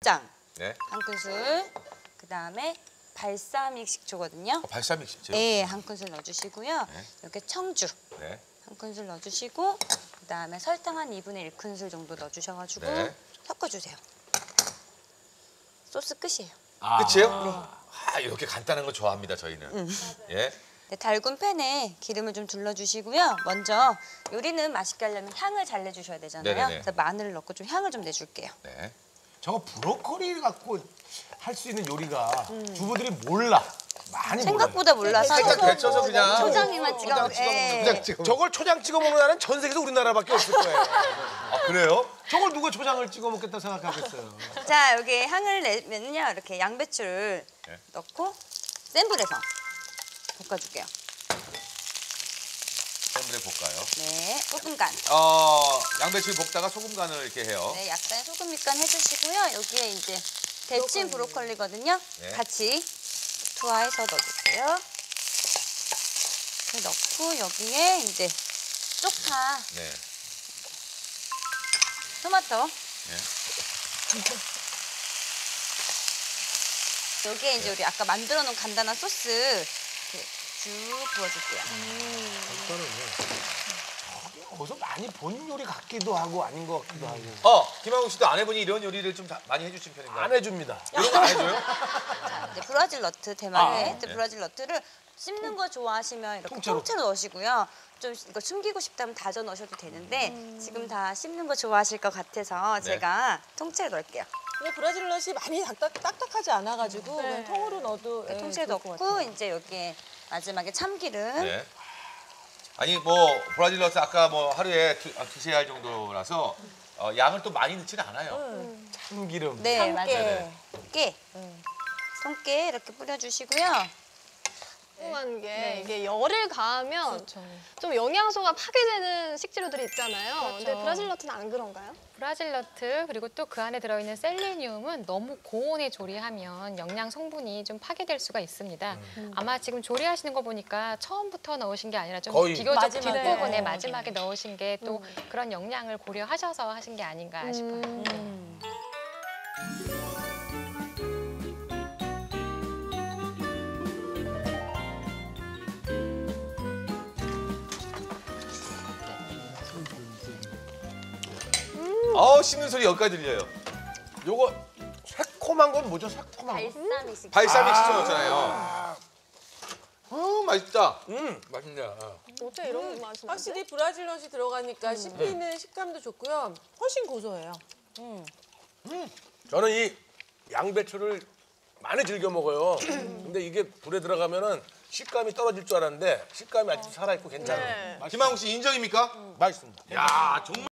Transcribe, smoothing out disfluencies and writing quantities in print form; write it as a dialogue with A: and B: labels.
A: 고추장
B: 네.
A: 한 큰술, 그다음에 발사믹 식초거든요.
B: 발사믹 식초.
A: 네, 한 큰술 넣어주시고요.
B: 네.
A: 이렇게 청주
B: 네.
A: 한 큰술 넣어주시고, 그다음에 설탕 한 2분의 1큰술 정도 넣어주셔가지고
B: 네.
A: 섞어주세요. 소스 끝이에요.
B: 끝이에요?
A: 네.
B: 아, 이렇게 간단한 거 좋아합니다, 저희는. 예.
A: 네, 달군 팬에 기름을 좀 둘러주시고요. 먼저 요리는 맛있게 하려면 향을 잘 내주셔야 되잖아요.
B: 네네네.
A: 그래서 마늘을 넣고 좀 향을 좀 내줄게요.
B: 네.
C: 저거 브로콜리 갖고 할 수 있는 요리가 주부들이 몰라. 많이
A: 생각보다 몰라서
B: 살짝 데쳐서 그냥.
A: 초장에만 찍어 먹어요.
B: 초장 찍어.
C: 저걸 초장 찍어 먹는 나라는 전 세계에서 우리나라밖에 없을 거예요.
B: 아, 그래요?
C: 저걸 누가 초장을 찍어 먹겠다 생각하겠어요.
A: 자, 여기 향을 내면요. 이렇게 양배추를
B: 네.
A: 넣고 센 불에서 볶아줄게요.
B: 센 불에 볶아요.
A: 네, 소금 간.
B: 양배추 볶다가 소금 간을 이렇게 해요.
A: 네, 약간 소금 밑간 해주시고요. 여기에 이제 데친 브로콜리거든요.
B: 네.
A: 같이 투하해서 넣어주세요. 이렇게 넣고 여기에 이제 쪽파,
B: 네.
A: 토마토.
B: 네.
A: 여기에 이제 우리 아까 만들어 놓은 간단한 소스 이렇게 쭉 부어줄게요.
C: 어디서 많이 본 요리 같기도 하고 아닌 것 같기도 하고.
B: 김한국 씨도 아내분이 이런 요리를 좀 많이 해주신 편인가요?
C: 안 해줍니다.
B: 이런 거 안 해줘요?
A: 자, 이제 브라질 너트, 대만의 브라질 너트를 씹는 거 좋아하시면 이렇게
C: 통째로.
A: 통째로 넣으시고요. 좀 이거 숨기고 싶다면 다져 넣으셔도 되는데 지금 다 씹는 거 좋아하실 것 같아서 제가 통째로 넣을게요.
D: 근데 브라질 넛이 많이 딱딱하지 않아가지고 그냥 통으로 넣어도
A: 통째로
D: 좋을 것
A: 넣고
D: 같아요.
A: 이제 여기에 마지막에 참기름.
B: 네. 아니 뭐 브라질 너트 아까 뭐 하루에 두세 알 정도라서 양을 또 많이 넣지는 않아요.
C: 참기름.
A: 네,
D: 참깨.
A: 맞아요. 깨. 통깨 이렇게 뿌려주시고요.
E: 궁금한 게
A: 네.
E: 이게 열을 가하면 좀 영양소가 파괴되는 식재료들이 있잖아요. 근데 브라질 너트는 안 그런가요?
F: 브라질 너트 그리고 또 그 안에 들어있는 셀레니움은 너무 고온에 조리하면 영양 성분이 좀 파괴될 수가 있습니다. 아마 지금 조리하시는 거 보니까 처음부터 넣으신 게 아니라 좀
C: 거의
F: 비교적
D: 마지막에.
F: 뒷부분에 마지막에 넣으신 게 또 그런 영양을 고려하셔서 하신 게 아닌가 싶어요.
B: 씹는 소리 여기까지 들려요.
C: 요거 새콤한 건 뭐죠? 새콤한 거.
A: 발사믹 식초.
B: 발사믹 식초 넣었잖아요. 맛있다.
C: 맛있냐.
E: 어떻게 이런 거 맛이 나지?
D: 확실히 브라질 넛이 들어가니까 씹히는 식감도 좋고요. 훨씬 고소해요.
C: 저는 이 양배추를 많이 즐겨 먹어요. 근데 이게 불에 들어가면은 식감이 떨어질 줄 알았는데 식감이 아직 살아있고 괜찮아요.
E: 네.
B: 김한국 씨 인정입니까?
C: 맛있습니다.
B: 야 정말.